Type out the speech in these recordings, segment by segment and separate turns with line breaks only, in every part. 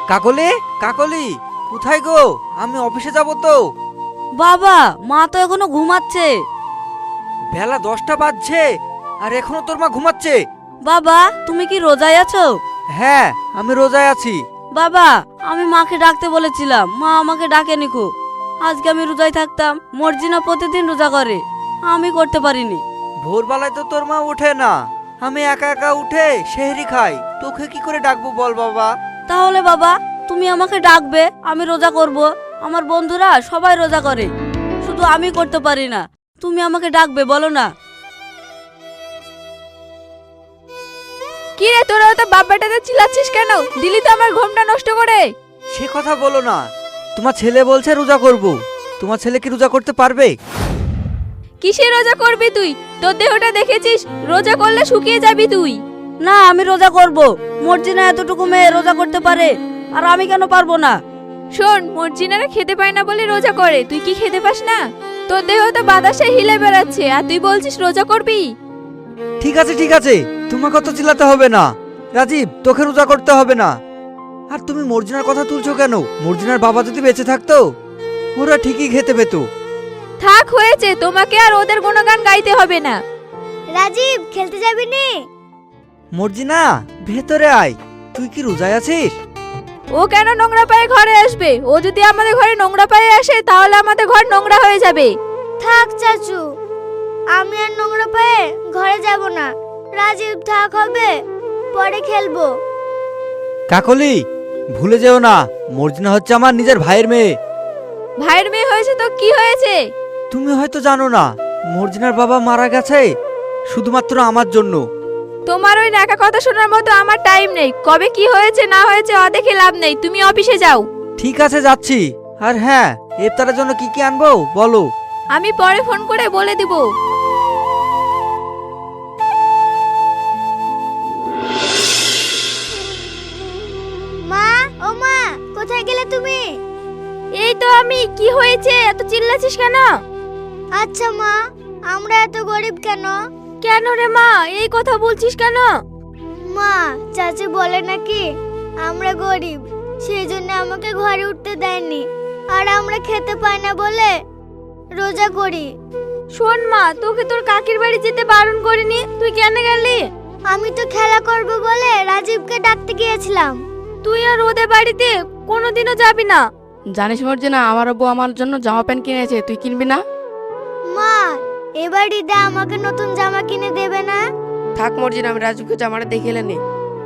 কাকলি, কাকলি, কোথায় গো? আমি অফিসে যাব তো।
বাবা, মা তো এখনো ঘুমাচ্ছে।
বেলা 10টা বাজছে আর এখনো তোর মা ঘুমাচ্ছে?
বাবা, তুমি কি রোজায় আছো?
হ্যাঁ, আমি রোজায় আছি।
বাবা, আমি মাকে ডাকতে বলেছিলাম, মা আমাকে ডাকেনি কো। আজকে আমি রোজায় থাকতাম, মর্জিনা প্রতিদিন রোজা করে, আমি করতে পারিনি।
ভোরবেলায় তো তোর মা ওঠে না, আমি একা একা উঠে সেহরি খাই, তোকে কি করে ডাকবো বল বাবা?
তাহলে বাবা, তুমি আমাকে ডাকবে, আমি রোজা করব। আমার বন্ধুরা সবাই রোজা করে, শুধু আমি করতে পারি না। তুমি আমাকে ডাকবে, বলো না।
কি রে, তোরা তো বাপ বেটাতে চিল্লাচ্ছিস কেন? দিলি তো আমার ঘুমটা নষ্ট করে।
সে কথা বলো না। তোমার ছেলে বলছে রোজা করব, তোমার ছেলে কি রোজা করতে পারবে?
কিসে রোজা করবি তুই? তোর দেহটা দেখেছিস, রোজা করলে শুকিয়ে যাবি তুই।
না, আমি রোজা করব। মর্জিনা এতটুকু মেয়ে রোজা করতে পারে, আর আমি কেন পারবো না?
শোন, মর্জিনারা খেতে পায় না বলে রোজা করে, তুই কি খেতে পাস না? তোর দেহ তো বাতাসে হিলে বেড়াচ্ছে, আর তুই বলছিস রোজা করবি?
ঠিক আছে ঠিক আছে, তোমাকে অত চিল্লাতে হবে না। রাজীব, তোকে রোজা করতে হবে না। আর তুমি মর্জিনার কথা তুলছো কেন? মর্জিনার বাবা যদি বেঁচে থাকতো, ওরা ঠিকই খেতে পেত।
থাক, হয়েছে, তোমাকে আর ওদের গুণগান গাইতে হবে না।
রাজীব, খেলতে যাবি নি?
মর্জিনা, ভেতরে আয়। তুই কি রোজায় আছিস?
ও কেন নোংরা পায়ে ঘরে আসবে? ও যদি আমাদের ঘরে নোংরা পায়ে আসে, তাহলে আমাদের ঘর নোংরা হয়ে যাবে।
থাক চাচু, আমি আর নোংরা পায়ে ঘরে যাব না। রাজীব থাক, হবে, পরে খেলবো।
কাকলি, ভুলে যেও না, মর্জিনা হচ্ছে আমার নিজের ভাইয়ের মেয়ে।
ভাইয়ের মেয়ে হয়েছে তো কি হয়েছে?
তুমি হয়তো জানো না, মর্জিনার বাবা মারা গেছে শুধুমাত্র আমার জন্য।
তোমার ওই নাকা কথা শোনার মতো আমার টাইম নেই। কবে কি হয়েছে না হয়েছে দেখে লাভ নেই, তুমি অফিসে যাও।
ঠিক আছে, যাচ্ছি। আর হ্যাঁ, ইফতারের জন্য কি কি আনবো বলো?
আমি পরে ফোন করে বলে দিব।
মা, ও মা, কোথায় গেলে তুমি?
এই তো আমি। কি হয়েছে, এত চিল্লাছিস কেন?
আচ্ছা মা, আমরা এত গরিব কেন?
কেন রে মা, এই কথা বলছিস কেন?
মা, চাচি বলে নাকি আমরা গরিব, সেই জন্য আমাকে ঘরে উঠতে দেয়নি, আর আমরা খেতে পাই না বলে রোজা করি।
শোন মা, তোকে তোর কাকির বাড়ি যেতে বারণ করিনি, তুই কেন গেলি?
আমি তো খেলা করব বলে রাজীবকে ডাকতে গিয়েছিলাম।
তুই আর ওদের বাড়িতে কোনোদিনও যাবি না।
জানিস মর্জিনা, আমার আব্বু আমার জন্য জামা প্যান্ট কিনেছে, তুই কিনবি না?
মা, এবার ঈদে আমাকে নতুন জামা কিনে দেবে না?
থাক মর্জিনা, আমি রাজুকে জামাটা দেখে এলেনি।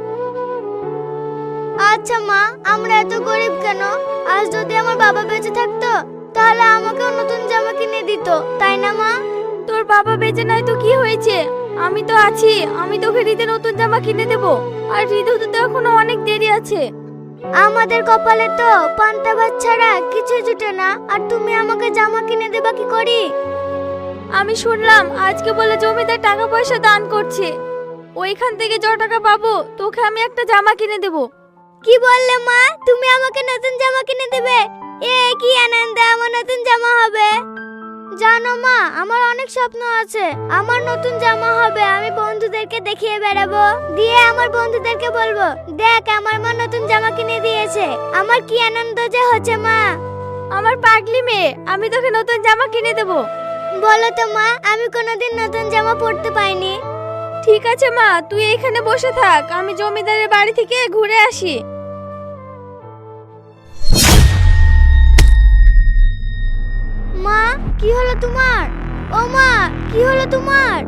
আচ্ছা মা, আমরা এত গরিব কেন? আজ যদি আমার বাবা বেঁচে থাকতো, তাহলে আমাকেও নতুন জামা কিনে দিত, তাই না মা?
তোর বাবা বেঁচে নাই তো কি হয়েছে? আমি তো আছি, আমি তোকে ঈদে নতুন জামা কিনে দেব। আর ঈদ হতে তো এখনো অনেক দেরি আছে।
আমাদের কপালে তো পান্তা ভাত ছাড়া কিছু জুটে না, আর তুমি আমাকে জামা কিনে দেবা কি করি?
আমি শুনলাম আজকে বলে জমিদার টাকা পয়সা দান করছে, ওইখান থেকে যত টাকা পাবো তোকে আমি একটা জামা কিনে দেব।
কি বললে মা, তুমি আমাকে নতুন জামা কিনে দেবে? এ কি আনন্দ, আমার নতুন জামা হবে। জানো মা, আমার অনেক স্বপ্ন আছে, আমার নতুন জামা হবে, আমি বন্ধুদেরকে দেখিয়ে বেড়াবো, দিয়ে আমার বন্ধুদেরকে বলবো, দেখ আমার মা নতুন জামা কিনে দিয়েছে। আমার কি আনন্দ যে হচ্ছে মা।
আমার পাগলি মেয়ে, আমি তোকে নতুন জামা কিনে দেব।
বলো তো মা, আমি কোনোদিন নতুন জামা পরতে পাইনি।
ঠিক আছে মা, তুই এইখানে বসে থাক, আমি জমিদারের বাড়ি থেকে ঘুরে আসি।
মা, কি হলো তোমার? ও মা, কি হলো তোমার?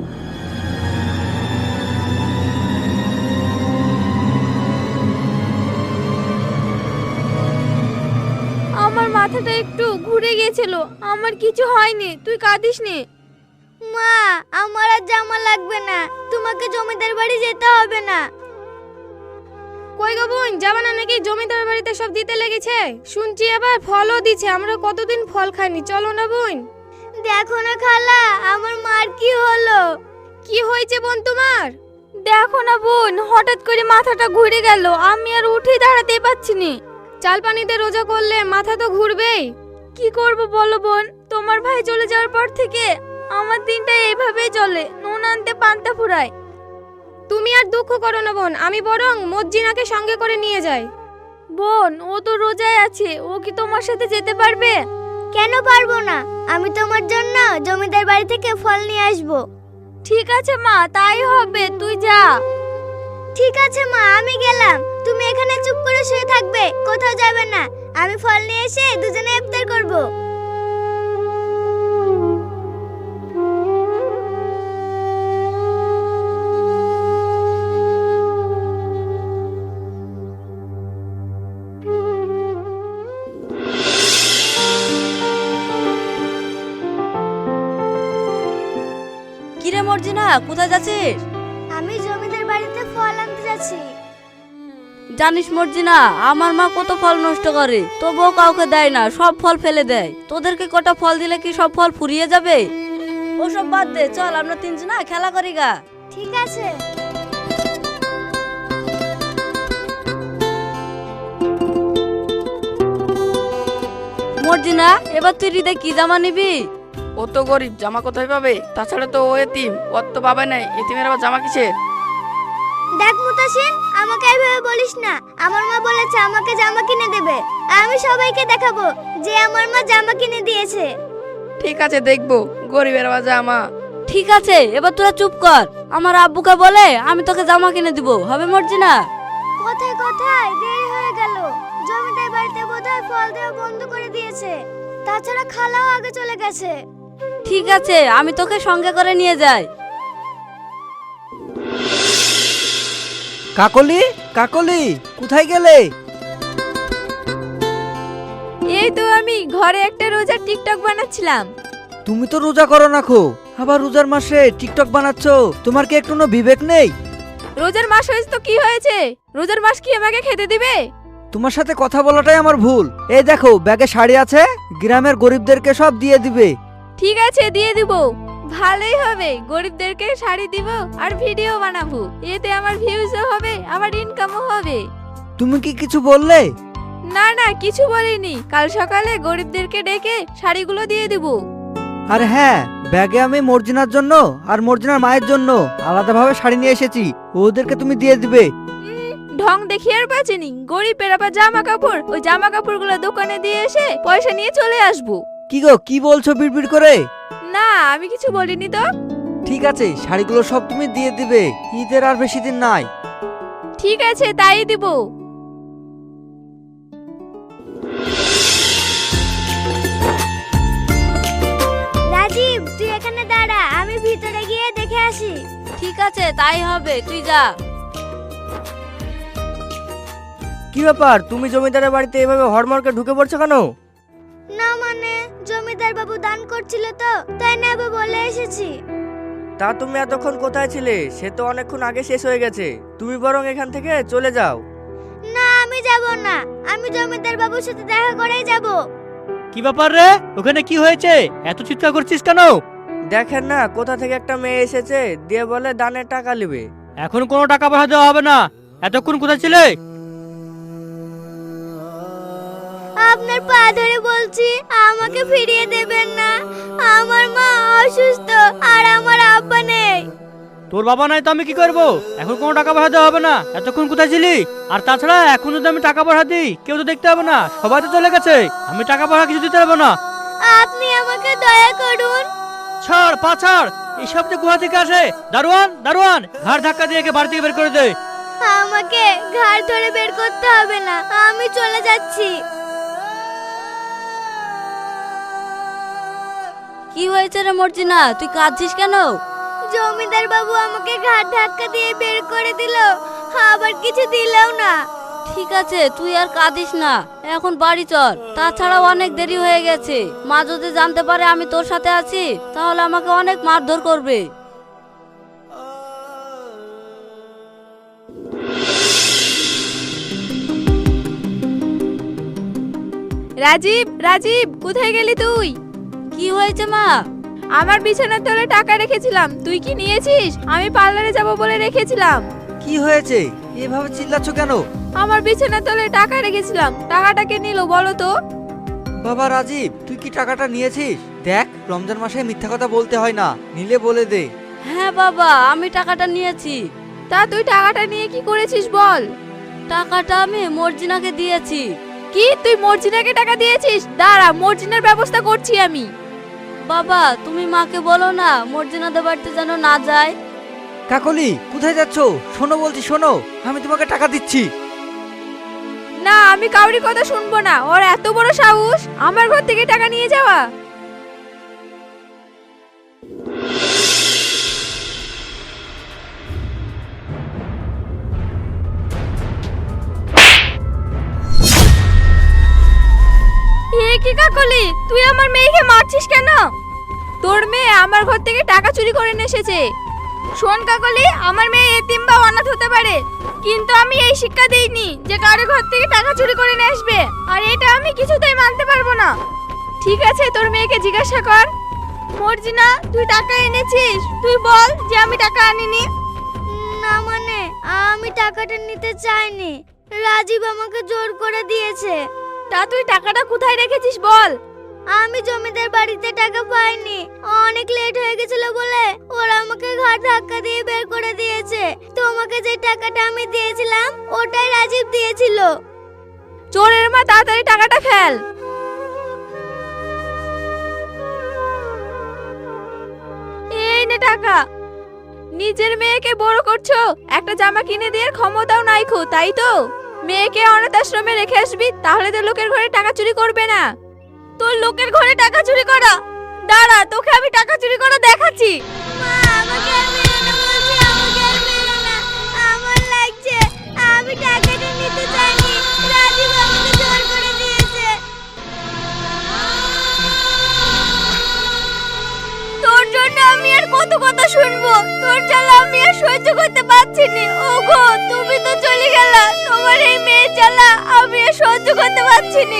আমার মাথাটা একটু ঘুরে গিয়েছিল, আমার কিছু হয়নি, তুই কাঁদিস নি।
মা, আমার আর জামা লাগবে না, তোমাকে জমিদার বাড়ি যেতে হবে না।
কই গো বোন, যাবা না নাকি? জমিদার বাড়িতে সব দিতে লেগেছে, শুনছি আবার ফলও দিচ্ছে, আমরা কতদিন ফল খাইনি, চলো না বোন।
দেখো না খালা, আমার মার কি হলো?
কি হয়েছে বোন তোমার? দেখো না বোন, হঠাৎ করে মাথাটা ঘুরে গেল, আমি আর উঠে দাঁড়াতেই পারছি না। চাল পানিতে রোজা করলে মাথা তো ঘুরবেই। কি করব বলো বোন, তোমার ভাই চলে যাওয়ার পর থেকে আমার দিনটা এইভাবেই চলে, নুন আনতে পান্তা ফুরায়। তুমি আর দুঃখ করো না বোন, আমি বরং মজ্জিনাকে সঙ্গে করে নিয়ে যাই। বোন ও তো রোজায় আছে, ও কি তোমার সাথে যেতে পারবে?
কেন পারবো না? আমি তোমার জন্য জমিদার বাড়ি থেকে ফল নিয়ে আসবো।
ঠিক আছে মা, তাই হবে, তুই যা।
ঠিক আছে মা, আমি গেলাম। তুমি এখানে চুপ করে শুয়ে থাকবে, কোথাও যাবে না। আমি ফল নিয়ে এসে দুজনে ইফতার করব।
কিরে মর্জিনা, কোথায় যাচ্ছিস?
আমি জমিদার বাড়িতে ফল আনতে যাচ্ছি।
জানিস মর্জিনা, আমার মা কত ফল নষ্ট করে, তবুও কাউকে দেয় না, সব ফল ফেলে দেয়। তোদেরকে কটা ফল দিলে কি সব ফল ফুরিয়ে যাবে? ওসব বাদ দে, চল আমরা তিনজনা খেলা করি গা।
ঠিক আছে।
মর্জিনা, এবার তুই হৃদয় কি জামা নিবি?
ও তো গরিব, জামা কোথায় পাবে? তাছাড়া তো ও এতিম, ওর তো বাবা নাই, এতিমের আবার জামা কিসের?
দেখ মুতাসিন, আমাকে এইভাবে বলিস না। আমার মা বলেছে আমাকে জামা কিনে দেবে। আমি সবাইকে দেখাবো যে আমার মা জামা কিনে দিয়েছে।
ঠিক আছে, দেখবো গরিবের আবার জামা।
ঠিক আছে, এবার তোরা চুপ কর। আমার আব্বুকে বলে আমি তোকে জামা কিনে দিব, হবে মর্জিনা?
কোথায় কোথায় দেরি হয়ে গেল। জমিদার বাড়িতে বোধহয় ফল দেওয়া বন্ধ করে দিয়েছে। তাছাড়া খালাও আগে চলে গেছে।
ঠিক আছে, আমি তোকে সঙ্গে করে নিয়ে যাই।
কাকলি, কাকলি, কোথায় গেলে?
এই তো আমি ঘরে একটা রোজার টিকটক বানাচ্ছিলাম।
তুমি তো রোজা করো না খো, আবার রোজার মাসে টিকটক বানাচ্ছ। তোমার কি একটু বিবেক নেই?
রোজার মাস হয়েছে তো কি হয়েছে? রোজার মাস কি আমাকে খেতে দিবে?
তোমার সাথে কথা বলাটাই আমার ভুল। এই দেখো, ব্যাগে শাড়ি আছে, গ্রামের গরিবদেরকে সব দিয়ে দিবে।
ঠিক আছে, দিয়ে দিব। ভালোই হবে, গরিবদেরকে শাড়ি দিব আর ভিডিও বানাবো। এতে আমার ভিউজও হবে, আমার ইনকামও হবে।
তুমি কি কিছু বললে?
না না, কিছু বলিনি। কাল সকালে গরিবদেরকে ডেকে শাড়িগুলো দিয়ে দিব।
আর হ্যাঁ, ব্যাগে আমি মর্জিনার জন্য আর মর্জিনার মায়ের জন্য আলাদাভাবে শাড়ি নিয়ে এসেছি, ওদেরকে তুমি দিয়ে দিবে।
ঢং দেখি আর বাঁচেনি। গরিবের আবার জামা কাপড়, ওই জামা কাপড়গুলো দোকানে দিয়ে এসে পয়সা নিয়ে চলে আসবো।
কি গো, কি বলছো বিড়বিড় করে?
না, আমি কিছু বলিনি তো।
ঠিক আছে, শাড়িগুলো সব তুমি দিয়ে দিবে, ঈদের আর বেশি দিন নাই।
ঠিক আছে, তাই দিব।
রাজীব, তুই এখানে দাঁড়া, আমি ভিতরে গিয়ে দেখে আসি।
ঠিক আছে, তাই হবে, তুই যা।
কি ব্যাপার, তুমি জমিদারের বাড়িতে এভাবে হড়মড়কে ঢুকে পড়ছো কেন?
না মানে, জমিদার বাবু দান করছিল তো, তাই নেবে বলে এসেছি।
তা তুমি এতক্ষণ কোথায় ছিলে? সে তো অনেকক্ষণ আগে শেষ হয়ে গেছে। তুমি বরং এখান থেকে চলে যাও।
না, আমি যাব না। আমি জমিদার বাবুর সাথে দেখা করেই যাব।
কি ব্যাপার রে, ওখানে কি হয়েছে? এত চিৎকার করছিস কেন?
দেখেন না, কোথা থেকে একটা মেয়ে এসেছে, দিয়ে বলে দানের টাকা নেবে।
এখন কোনো টাকা পয়সা দেওয়া হবে না। এতক্ষণ কোথায় ছিলে?
আপনার পা ধরে বলছি, আমাকে ফিরিয়ে দেবেন না। আমার মা অসুস্থ আর আমার আব্বা নেই।
তোর বাবা নাই তো আমি কি করব? এখন কোনো টাকা পয়সা দেওয়া হবে না। এতক্ষণ কোথায় ছিলি? আর তাছাড়া এখন যদি আমি টাকা পয়সা দিই, কেউ তো দেখতে হবে না, সবাই তো চলে গেছে। আমি টাকা পয়সা কিছু দিতে পারবো না।
আপনি আমাকে দয়া করুন।
ছাড়, পা ছাড়। এইসব যে গুহা থেকে আসে। দারোয়ান, দারোয়ান, ঘাড় ধাক্কা দিয়ে একে বাড়ি থেকে বের করে দে।
আমাকে ঘাড় ধরে বের করতে হবে না, আমি চলে যাচ্ছি।
কি হয়েছে রে মর্জিনা, তুই কাঁদছিস কেন?
জমিদার বাবু আমাকে ঘাড় ধাক্কা দিয়ে বের করে দিল, আবার কিছু দিলেও না।
ঠিক আছে, তুই আর কাঁদিস না, এখন বাড়ি চল। তাছাড়া অনেক দেরি হয়ে গেছে। মা যদি জানতে পারে আমি তোর সাথে আছি, তাহলে আমাকে অনেক মারধর করবে।
রাজীব, রাজীব, কোথায় গেলি তুই?
কি হয়েছে মা?
আমার বিছানার তলে টাকা রেখেছিলাম, তুই কি নিয়েছিস? আমি পার্লারে যাব বলে রেখেছিলাম।
কি হয়েছে, এভাবে চিল্লাচ্ছ কেন?
আমার বিছানার তলে টাকা রেখেছিলাম, টাকাটা কে নিল বলো তো?
বাবা রাজীব, তুই কি টাকাটা নিয়েছিস? দেখ, রমজান মাসে মিথ্যা কথা বলতে হয় না, নিলে বলে দে।
হ্যাঁ বাবা, আমি টাকাটা নিয়েছি।
তা তুই টাকাটা নিয়ে কি করেছিস বল?
টাকাটা আমি মর্জিনাকে দিয়েছি।
কি তুই মর্জিনাকে টাকা দিয়েছিস? দাঁড়া, মর্জিনার ব্যবস্থা করছি আমি।
বাবা তুমি মাকে বলো না মর্জিনাদের বাড়িতে যেন না যায়।
কাকলি কোথায় যাচ্ছ? শোনো বলছি, শোনো, আমি তোমাকে টাকা দিচ্ছি।
না, আমি কাউরি কথা শুনবো না। ওর এত বড় সাহস আমার ঘর থেকে টাকা নিয়ে যাওয়া। এ কি কাকলি, তুই আমার মেয়েকে মারছিস কেন? তোর মেয়ে আমার ঘর থেকে টাকা চুরি করে নিয়ে এসেছে। শোন কাকলি, আমার মেয়ে এতিম বা অনাথ হতে পারে, কিন্তু আমি এই শিক্ষা দেইনি যে কারো ঘর থেকে টাকা চুরি করে নিয়ে আসবে, আর এটা আমি কিছুতেই মানতে পারবো না। ঠিক আছে, তোর মেয়েকে জিজ্ঞাসা কর। মর্জিনা, তুই টাকা এনেছিস? তুই বল যে আমি টাকা আনিনি।
না মানে আমি টাকাটা নিতে চাইনি, রাজীব আমাকে জোর করে দিয়েছে।
তা তুই টাকাটা কোথায় রেখেছিস বল।
আমি জমিদার বাড়িতে টাকা পাইনি, অনেক লেট হয়ে গেছিল বলে ওরা আমাকে ঘাট ধাক্কা দিয়ে বের করে দিয়েছে। তোমাকে যে টাকাটা আমি দিয়েছিলাম ওটাই রাজীব দিয়েছিল।
চোরের মা, তাড়াতাড়ি টাকাটা ফেল। এই নে টাকা। নিজের মেয়েকে বড় করছো, একটা জামা কিনে দেওয়ার ক্ষমতাও নাই খো, তাই তো? মেয়েকে অনাথ আশ্রমে রেখে আসবি, তাহলে তো লোকের ঘরে টাকা চুরি করবে না। তোর লোকের ঘরে টাকা চুরি করা? দাঁড়া, তোকে আমি টাকা চুরি করা দেখাচ্ছি।
মা, আমাকে আর মেরো না বলছি, আমাকে আর মেরো না। আমার লাগছে, আমি টাকাটা নিতে চাইনি, রাজীব আমাকে জোর করে দিয়েছে।
তোর জন্য আমি আর কত কথা শুনবো? তোর জ্বালা আমি আর সহ্য করতে পারছি না। ওগো, তুমি তো চলে গেলা, তোমার এই মেয়ের জ্বালা আমি আর সহ্য করতে পারছি না।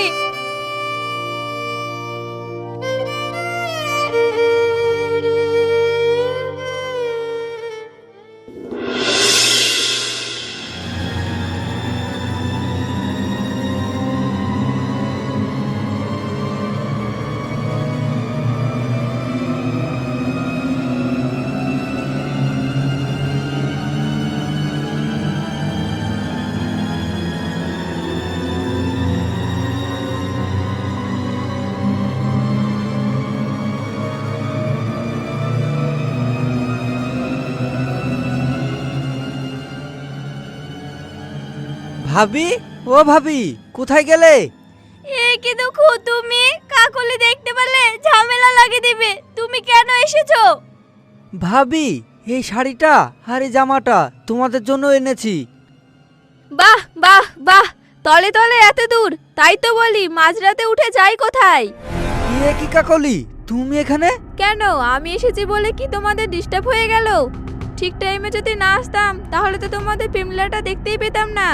ভাবি, ও ভাবি, কোথায় গেলে?
এ কি দুঃখু, তুমি কাকলি দেখতে পেলে ঝামেলা লাগিয়ে দিবে। তুমি কেন এসেছো?
ভাবি, এই শাড়িটা আর এই জামাটা তোমাদের জন্য এনেছি।
বাহ বাহ বাহ, তলে তলে এত দূর, তাই তো বলি মাঝরাতে উঠে যাই কোথায়?
এ কি কাকলি, তুমি এখানে?
কেন, আমি এসেছি বলে কি তোমাদের ডিস্টার্ব হয়ে গেল? ঠিক টাইমে যদি না আসতাম তাহলে তো তোমাদের পিমলাটা দেখতেই পেতাম না।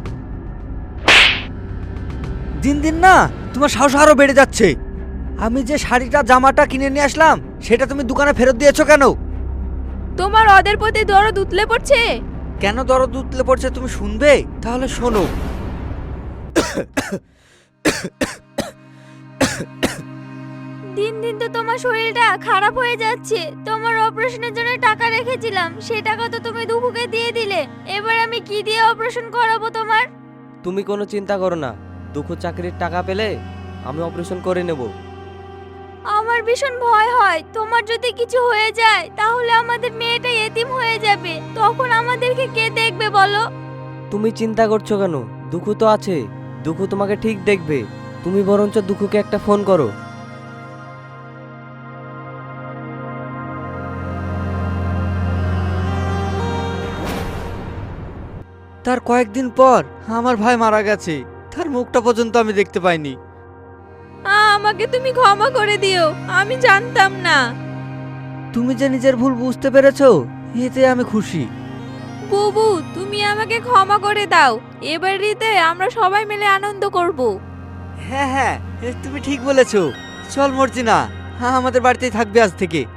দিন দিন না তোমার সাহস আরো বেড়ে যাচ্ছে। আমি যে শাড়িটা জামাটা কিনে নিয়ে আসলাম সেটা তুমি দোকানে ফেরত দিয়েছো কেন?
তোমার ওদের প্রতি দরদ উতলে পড়ছে।
কেন দরদ উতলে পড়ছে তুমি শুনবে? তাহলে শোনো।
দিন দিন তো তোমার শরীরটা খারাপ হয়ে যাচ্ছে। তোমার অপারেশনের জন্য টাকা রেখেছিলাম, সেই টাকা তো তুমি দুপুকে দিয়ে দিলে। এবার আমি কি দিয়ে অপারেশন করাবো তোমার?
তুমি কোনো চিন্তা করো না, দুঃখ চাকরির টাকা পেলে আমি অপারেশন করে নেব।
আমার ভীষণ ভয় হয়, তোমার যদি কিছু হয়ে যায় তাহলে আমাদের মেয়েটা এতিম হয়ে যাবে, তখন আমাদেরকে কে দেখবে বলো?
তুমি চিন্তা করছো কেন? দুঃখ তো আছে, দুঃখ তোমাকে ঠিক দেখবে। তুমি বরঞ্চ দুঃখকে একটা ফোন করো।
তার কয়েকদিন পর আমার ভাই মারা গেছে, তার মুখটা পর্যন্ত আমি দেখতে পাইনি।
আমাকে তুমি ক্ষমা করে দিও, আমি জানতাম না।
তুমি যে নিজের ভুল বুঝতে পেরেছো এতে আমি খুশি।
বুবু, তুমি আমাকে ক্ষমা করে দাও। এবার ঈদে আমরা সবাই মিলে আনন্দ করব।
হ্যাঁ হ্যাঁ, তুমি ঠিক বলেছো। চল মর্জিনা, আমাদের বাড়িতেই থাকবে আজ থেকে।